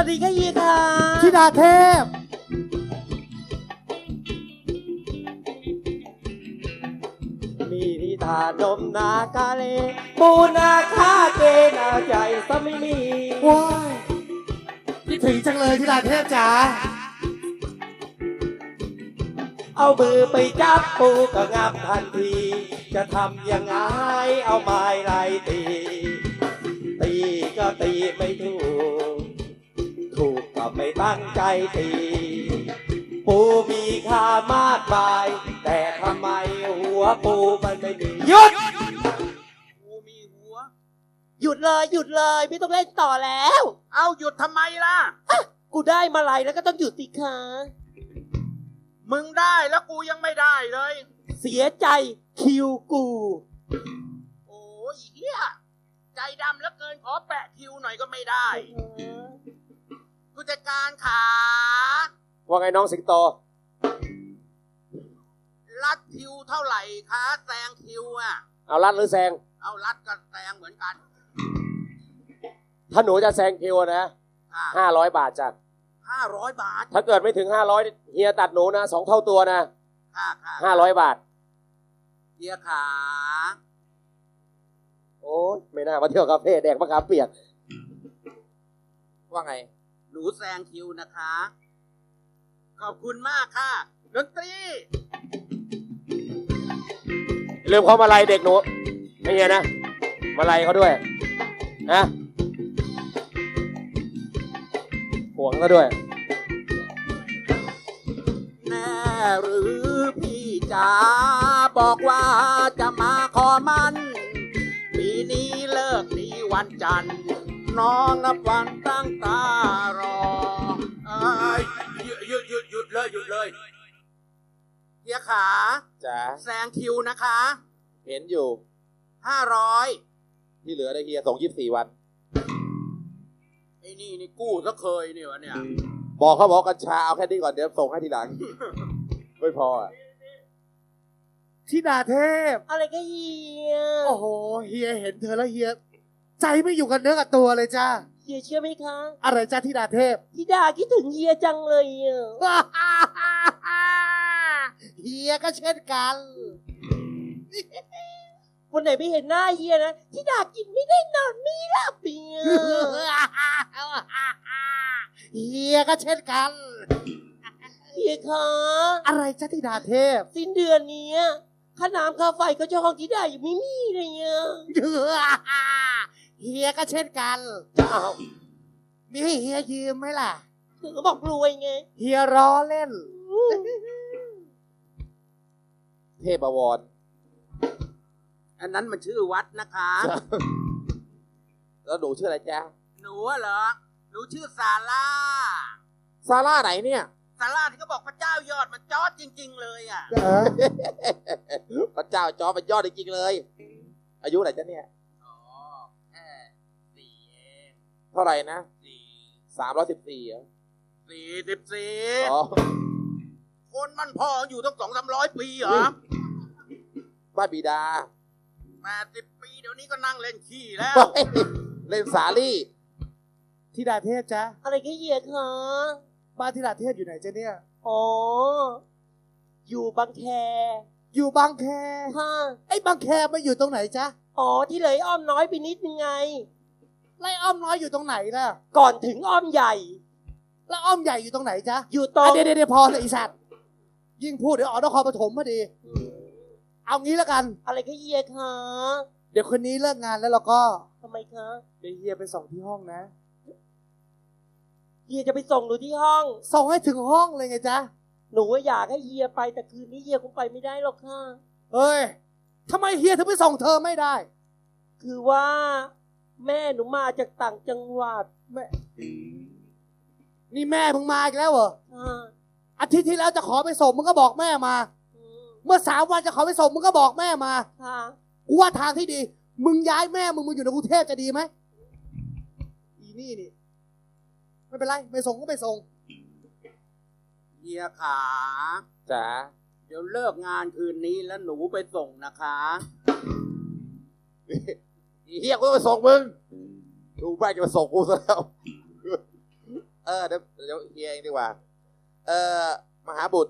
วัสดีค่ะเฮียค่ะธิดาเทพมีนิทานนมนากาเลปูนาคาเกนาใจสมิมีว้ายคิดถึงจังเลยธิดาเทพจ๋าเอามือไปจับปูก็งับทันทีจะทำยังไงเอาไม้ไล่ตีก็ตีไม่ถูกก็ไม่ตั้งใจตีปูมีค่ามากมายแต่ทำไมหัวปูมันไม่มีหยุดปูมีหัวหยุดเลยไม่ต้องเล่นต่อแล้วเอาหยุดทำไมล่ะกูได้มาลัยแล้วก็ต้องหยุดสิคะมึงได้แล้วกูยังไม่ได้เลยเสียใจคิวกูโอ้ยเหี้ยใจดำแล้วเกินขอแปะคิวหน่อยก็ไม่ได้ผู้จัดการขาว่าไงน้องสิงโตรัดคิวเท่าไหร่คะแซงคิวอ่ะเอารัดหรือแซงเอารัดกับแซงเหมือนกันถ้าหนูจะแซงคิวนะ500 บาทจ้ะ 500 บาทถ้าเกิดไม่ถึง500เฮียตัดหนูนะ2 เท่าตัวนะ500 บาทเฮียขาโอ้ยไม่น่ามาเที่ยวคาเฟ่แดกมะขามเปียกว่าไงหนูแซงคิวนะคะขอบคุณมากค่ะดนตรีลืมเขามาลัยเด็กหนูไม่เงี้ยนะมาลัยเขาด้วยนะห่วงเขาด้วยแน่หรือพี่จ๋าบอกว่าจะมาขอมันปีนี้เลิกดีวันจันทร์น้องนับวันตั้งตารอหยุดเลยเฮียขาจ๋าแซงคิวนะคะเห็นอยู่ 500 ที่เหลือได้เฮียส่ง24 วันไอ้นี่กู้ซะเคยนี่วะเนี่ยบอกเขาบอกกัญชาเอาแค่นี้ก่อนเดี๋ยวส่งให้ทีหลัง ไม่พออ่ะธิดาเทพอะไรก็เฮียโอ้โหเฮียเห็นเธอแล้วเฮียใจไม่อยู่กับเนื้อกับตัวเลยจ้าเฮียเชื่อไหมคะอะไรจ้าธิดาเทพธิดาคิดถึงเฮียจังเลยเฮียก็เช่นกันวันไหนไม่เห็นหน้าเฮียนะธิดากินไม่ได้นอนไม่หลับเฮียก็เช่นกันเฮียคะอะไรจ้าธิดาเทพสิ้นเดือนนี้ค่าน้ำค่าไฟก็จะห้องธิดาอยู่ไม่มีเลยเฮียก็เช่นกันจะเอามีให้เฮียยืมไหมล่ะคือก็บอกรวยไงเฮียล้อเล่นเทพวรอันนั้นมันชื่อวัดนะคะแล้วหนูชื่ออะไรจ๊ะหนูเหรอหนูชื่อซาร่าไหนเนี่ยซาร่าที่เขาบอกพระเจ้ายอดมันจอดจริงๆเลยอ่ะพระเจ้าจอดมันยอดจริงๆเลยอายุไหนจ๊ะเนี่ยแค่4เองเท่าไหร่นะ314เหรอ 44อ๋อคนมันพออยู่ตั้ง200-300 ปีเหรอบ้านบิดา 80 ปีเดี๋ยวนี้ก็นั่งเล่นขี้แล้วเล่นสาลี่ธิดาเทพจ๊ะอะไรก็เหี้ยคะบ้านธิดาเทพอยู่ไหนจ๊ะเนี่ยอ๋ออยู่บางแคค่ะไอ้บางแคมาอยู่ตรงไหนจ๊ะอ๋อที่เลยอ้อมน้อยไปนิดนึงไงไล่อ้อมน้อยอยู่ตรงไหนล่ะก่อนถึงอ้อมใหญ่แล้วอ้อมใหญ่อยู่ตรงไหนจ๊ะอยู่ตรงเดี๋ยวพอเลยไอ้สัตว์ยิ่งพูดเดี๋ยวออกนครปฐมพอดีเอางี้แล้วกันอะไรก็เฮียคะเดี๋ยวคนนี้เลิกงานแล้วเราก็ทำไมคะเดี๋ยวเฮียไปส่งที่ห้องนะเฮียจะไปส่งหนูที่ห้องส่งให้ถึงห้องเลยไงจ๊ะหนูว่าอยากให้เฮียไปแต่คืนนี้เฮียคงไปไม่ได้หรอกค่ะเฮ้ยทำไมเฮียถึงไปส่งเธอไม่ได้คือว่าแม่หนูมาจากต่างจังหวัดแม่นี่แม่มึงมาอีกแล้วเหรออาทิตย์ที่แล้วจะขอไปส่งมึงก็บอกแม่มาเมื่อ3 วันจะขอไปส่งมึงก็บอกแม่มากูว่าทางที่ดีมึงย้ายแม่มึงอยู่ในกรุงเทพจะดีไหมอีนี่ไม่เป็นไรไม่ส่งก็ไม่ส่งเฮียขาจ๋าเดี๋ยวเลิกงานคืนนี้แล้วหนูไปส่งนะคะเฮียกูไปส่งมึงดูแม่จะมาส่งกูซะแล้วเดี๋ยวเฮียเองดีกว่า มหาบุตร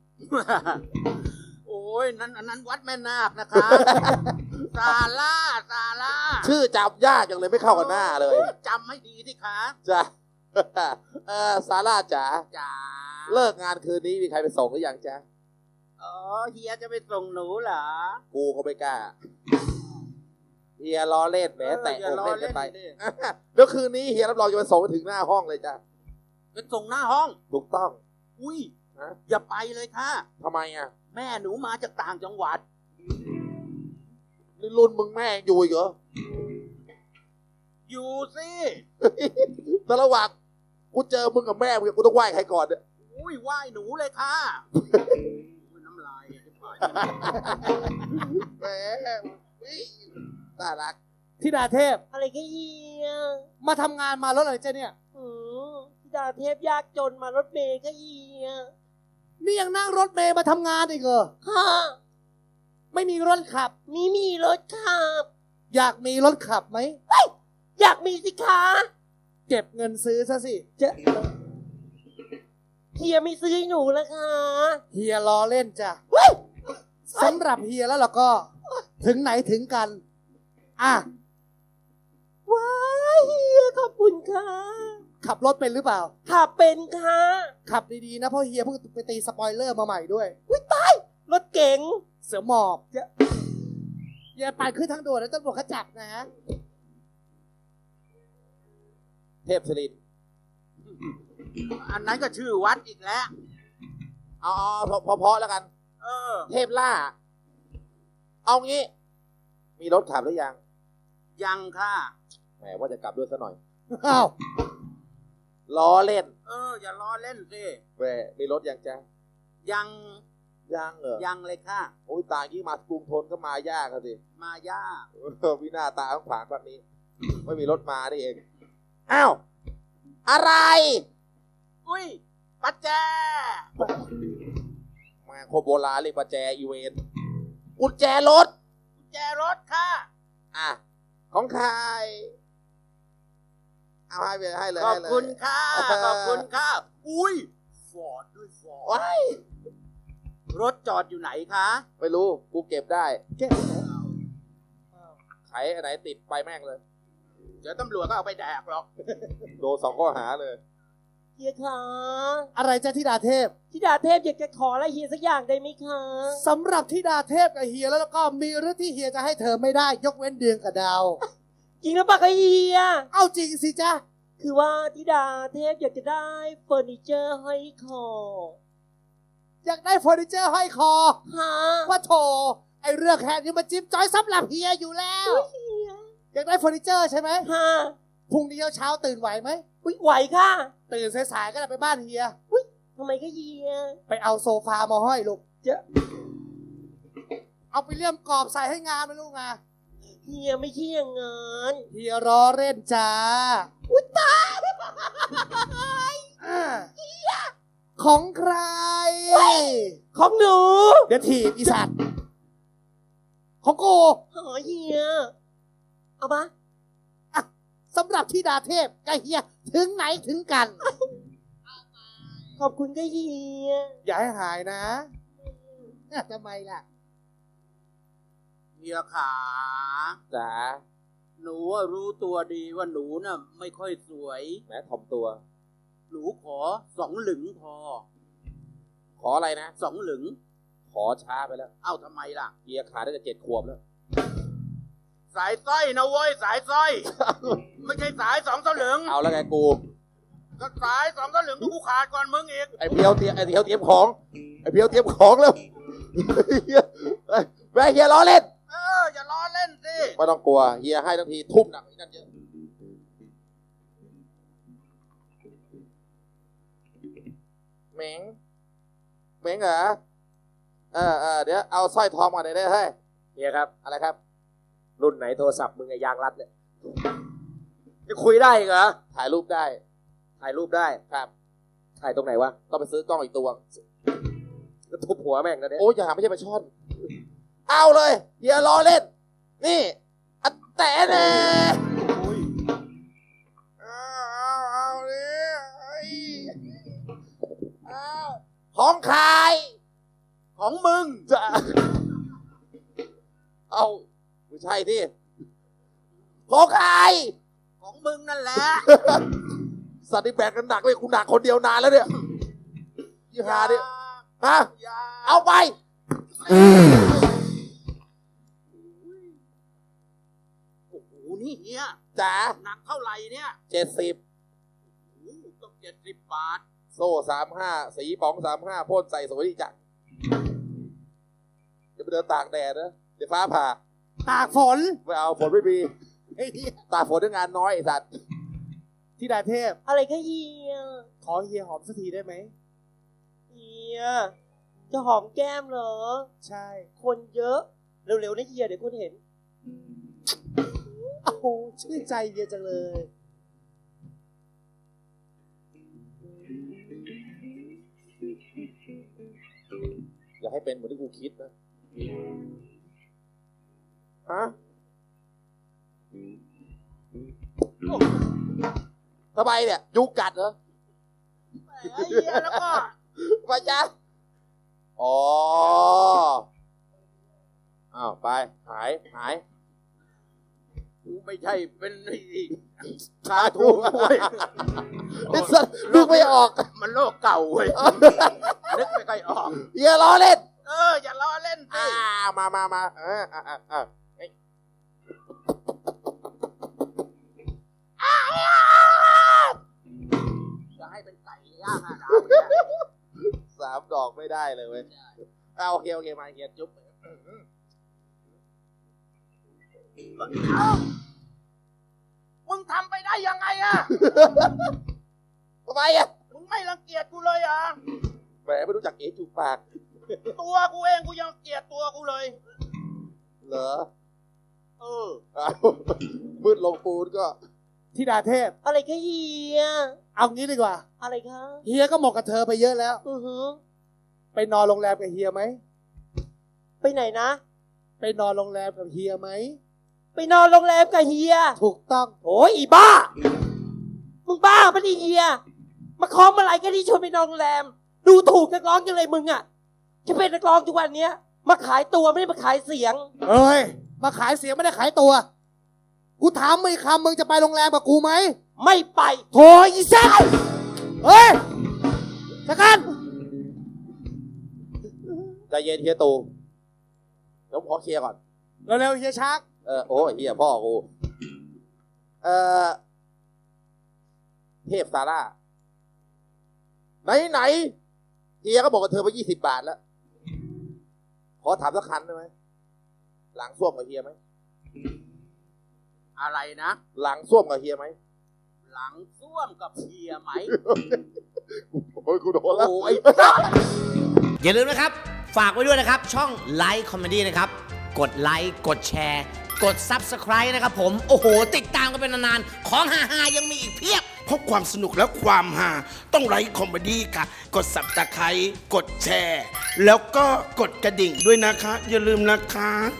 โอ้ยอันนั้นวัดแม่นาคนะคะ ซาร่าชื่อจำยากจังเลยไม่เข้ากับหน้าเลยจำให้ดีสิคะจ้ะ ซาร่าจ๋าจ๋าเลิกงานคืนนี้มีใครไปส่งหรือยังจ๊ะอ๋อเฮียจะไปส่งหนูเหรอกูก็ไม่กล้าเฮียล้อเล่นแหมแต่อย่าอกล้อเล่นเล่กันนไปดิเดี๋ยวคืนนี้เฮียรับรองจะไปส่งไปถึงหน้าห้องเลยจ้ะไปส่งหน้าห้องถูกต้องอุ้ยฮะอย่าไปเลยค่ะทำไมอ่ะแม่หนูมาจากต่างจังหวัดนี่รุ่นมึงแม่งอยู่อีกเหรออยู่สิแต่ระหว่างกูเจอมึงกับแม่มึงกูต้องไหว้ใครก่อนเนี่ยอุ้ยไหว้หนูเลยค่ะอุ๊ยน้ำลายจะปล่อยแหมน่ารักธิดาเทพอะไรก็เฮียมาทำงานมารถอะไรเจ้าเนี่ยธิดาเทพยากจนมารถเมย์ก็เฮียนี่ยังนั่งรถเมย์มาทำงานอีกเหรอค่ะไม่มีรถขับมีรถขับอยากมีรถขับไหมอยากมีสิคะเก็บเงินซื้อซะสิเฮียไม่ซื้อให้หนูละคะเฮียล้อเล่นจ้ะสำหรับเฮียแล้วเราก็ ถึงไหนถึงกัน อ่ะว้ายเฮียขอบคุณค่ะขับรถเป็นหรือเปล่าขับเป็นค่ะขับดีๆนะเพราะเฮียเพิ่งไปตีสปอยเลอร์มาใหม่ด้วยรถเก๋งเสือหมอบอย่าไปขึ้นทางด่วนแล้วตำรวจเขาจับนะเทพศิรินทร์อันนั้นก็ชื่อวัดอีกแล้วเอาพอแล้วกันเออเทพล่า เอางี้ มีรถขับหรือยังยังค่ะแหมว่าจะกลับด้วยซะหน่อยอ้าวล้อเล่นอย่าล้อเล่นสิแหมมีรถยังจ๊ะยังยังเหรอยังเลยค่ะโอ้ยตายยิ่งมากรุงทนก็มายากอะสิมายากวินาตาขวางแบบนี้ ไม่มีรถมาได้เอง อ้าว อะไรอุ้ยปัจแจมาโคโบราณเรียกประแจอีเวนต์กุญแจรถกุญแจรถค่ะอ่ะ ของใคร เอาให้ไปให้เลยขอบให้เลยคุณค่ะ ขอบคุณค่ะ อุ้ยฟอร์ดด้วยฟอร์ดว้ายรถจอดอยู่ไหนคะไม่รู้ กูเก็บได้เจ๊ไขอันไหนติดไปแม่งเลยเดี๋ยวตำรวจก็เอาไปแดกหรอกโดน2 ข้อหาเลยเฮียคะอะไรจ้าธิดาเทพธิดาเทพอยากจะขออะไรเฮียสักอย่างได้ไหมคะสำหรับธิดาเทพกับเฮียแล้วก็มีเรื่องที่เฮียจะให้เธอไม่ได้ ยกเว้นเดือนกับดาวจริงหรือเปล่าคะเฮียเอาจริงสิจ้าคือว่าธิดาเทพอยากจะได้เฟอร์นิเจอร์ห้อยคออยากได้เฟอร์นิเจอร์ห้อยคอฮะว่าโถไอเรื่องแค่นี้มันจิ๊บจอยสำหรับเฮียอยู่แล้วเฮียอยากได้เฟอร์นิเจอร์ใช่ไหมฮะพรุ่งนี้เช้าตื่นไหวไหมอุ๊ยไหวค่ะตื่นสายๆก็ได้ไปบ้านเฮียทำไมก็เฮียไปเอาโซฟามาห้อยลูกจะเอาไปเลี่ยมกรอบใส่ให้งามนะลูกนะเฮียไม่ใช่อย่างงั้นเฮียล้อเล่นจ้าอุ๊ยตายอ่าของใครของหนูเดี๋ยวถีบอีสัตว์ของกูหอเฮีย เอามาสำหรับธิดาเทพกับเฮียถึงไหนถึงกันขอบคุณก็เฮียอย่าให้หายนะทำไมล่ะเฮียขาจ๋าหนูอะรู้ตัวดีว่าหนูน่ะไม่ค่อยสวยแหมถ่อมตัวหนูขอ2 หลึงพอขออะไรนะ 2 หลึงขอช้าไปแล้วเอ้าทำไมล่ะเกียร์ขาดได้แต่7 ขวบแล้วสายสร้อยนะเว้ย สายสร้อย ไม่ใช่สาย2 สลึงเอาแล้วไงกูก็สาย2 สลึงกูขาดก่อนมึงอีกไอ้เพียวเตรียมของ ไอ้เพียวเตรียมของแล้วแม่เฮียล้อเล่นอย่าล้อเล่นสิไม่ต้องกลัว เฮียให้ทั้งทีทุ่มหนักอีกนั่นเยอะเหม็งเหรอเดี๋ยวเอาสร้อยทองมาหน่อยได้เฮ้ยเฮียครับอะไรครับรุ่นไหนโทรศัพท์มึงไอ้ยางรัดเนี่ยจะคุยได้อีกเหรอถ่ายรูปได้ถ่ายรูปได้ครับถ่ายตรงไหนวะต้องไปซื้อกล้องอีกตัวก็ทุบหัวแม่งนะเนี่ยโอ้ยอย่าไม่ใช่ปลาช่อน เอาเลยเฮียล้อเล่น นี่อัดแต่แน่เอาดิของใครของมึงจะเอาไม่ใช่ที่ของใครของมึงนั่นแหละสัตว์ที่แบกกันหนักเลยกูหนักคนเดียวนานแล้วเนี่ยยี่หาเนี่ยฮะอย่าเอาไปโอ้โหนี่เฮียจ๋าหนักเท่าไหร่เนี่ย 70 โอ้โหต้อง70 บาทโซ่35สีป๋อง35พ่นใส่สวยดีจังเดี๋ยวไปเดินตากแดดนะเดี๋ยวฟ้าผ่าตากฝนไม่เอาฝนไม่มีไอ้เหี้ยตากฝนด้วยงานน้อยไอ้สัตว์ธิดาเทพอะไรก็เฮียขอเฮียหอมสักทีได้ไหมเฮียจะหอมแก้มเหรอใช่คนเยอะ เร็วๆนะเฮียเดี๋ยวคนเห็นโอ้โหชื่นใจเฮียจังเลยอย่าให้เป็นเหมือนที่กูคิดนะฮะทำไมเนี่ยยุงกัดเหรอไอ้เฮียแล้วก็ไปจ้ะอ๋ออ้าวไปหายกูไม่ใช่เป็นไอ้ขาถูกด้วยไอ้สัตว์นึกไม่ออกมันโลกเก่าเว้ย นึกไม่ค่อยออกอย่าล้อเล่นอย่าล้อเล่นสิมาจะให้เป็นไก่ย่างอะเนี่ย 3 ดอกไม่ได้เลยเว้ยเอาโอเคมาเฮียจุ๊บเอ้ามึงทำไปได้ยังไงอะทำไมอ่ะมึงไม่รังเกียจกูเลยอ่ะแหมไม่รู้จักเอ๋จูบปากตัวกูเองกูยังเกลียดตัวกูเลยเหรอเอออ้าวมืดลงปูนก็ธิดาเทพอะไรก็เฮียเอางี้ดีกว่าอะไรคะเฮียก็หมกกับเธอไปเยอะแล้วอือหือไปนอนโรงแรมกับเฮียไหมไปไหนนะไปนอนโรงแรมกับเฮียไหมไปนอนโรงแรมกับเฮียถูกต้องโอ้ยอีบ้า มึงบ้าปะนี่เฮีย มาคล้องมาอะไรก็ที่ชวนไปนอนโรงแรม ดูถูกนักร้องจังเลยมึงอ่ะจะเป็นนักร้องทุกวันเนี้ย มาขายตัวไม่ได้มาขายเสียงเอ้ย มาขายเสียงไม่ได้ขายตัว กูถามมึงอีกคำมึงจะไปโรงแรมกับกูไหมไม่ไปโถอีแซ่เฮ้ยสักกันใจเย็นเฮียตูเดี๋ยวผมขอเคลียร์ก่อนเร็วๆเฮียชักโอ้ยเฮียพ่อกูเทพซาร่าไหนเฮียก็บอกกับเธอไป20 บาทแล้ว ขอถามสักคันได้ไหมหลังส้วมกับเฮียไหมอะไรนะหลังส้วมกับเฮียไหมหลังส้วมกับเฮียไหมโอ้ยกูโดนแล้วโอ้ยอย่าลืมนะครับ ฝากไว้ด้วยนะครับ ช่องไลค์คอมเมดี้นะครับ กดไลค์ กดแชร์ กด Subscribe นะครับผม โอ้โห ติดตามกันเป็นนานๆ ของฮาๆยังมีอีกเพียบเพราะความสนุกและความฮาต้องไลค์คอมเมดี้ค่ะ กด Subscribe กดแชร์ แล้วก็กดกระดิ่งด้วยนะคะ อย่าลืมนะคะ